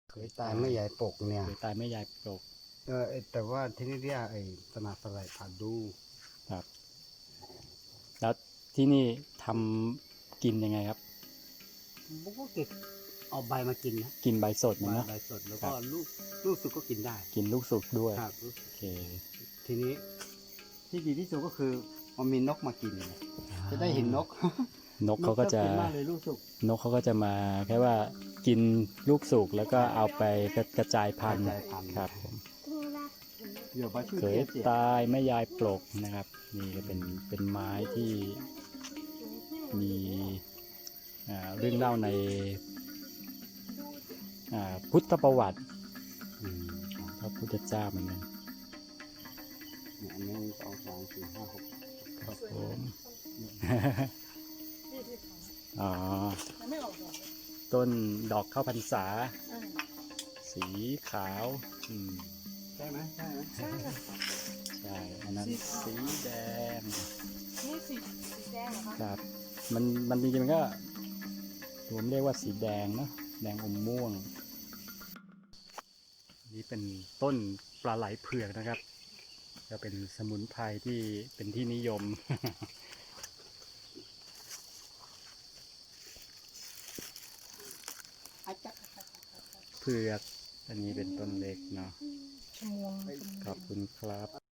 เคยตายไม่ใหญ่ปกเนี่ยเคยตายไม่ยายปลกแต่ว่าที่นี่เรียกไอ้สนาสไลด์ผ่าดูครับ แล้วที่นี่ทำกินยังไงครับผมก็เก็บเอาใบมากินนะกินใบสดมันเนาะใบสดแล้วครัก็บลูกสุกก็กินได้กินลูกสุกด้วยครับโอเคทีนี้ที่ดีที่สุดก็คือมันมีนกมากินเนี่ยจะได้เห็นนกนกเขาก็จะนชอบนมากเลยลูกสุกนกเขาก็จะมาแค่ว่ากินลูกสุกแล้วก็เอาไปกระจายพันธุ์กระจายพันธุ์ครับผมเดี๋ยวมาช่วยเคยเจียตายไม่ยายปลกนะครับ นี่ก็เป็นไม้ที่มีเรื่องเล่าในพุทธประวัติของพระพุทธเจ้าเหมือนกันเนี่ย1 2 3 4 5 6 ครับผม อ๋อไม่ออกดอกต้นดอกข้าวพรรษา สีขาวอืมใช่ไหมใช่ไหมใช่ อันนั้นสีแดงนี่สีแดงเหรอคะครับ มันจริงๆมันก็ผมเรียกว่าสีแดงเนอะแดงอมม่วง นี่เป็นต้นปลาไหลเผือกนะครับ จะเป็นสมุนไพรที่เป็นที่นิยม เผือก อันนี้เป็นต้นเล็กเนาะชมวงขอบคุณครับ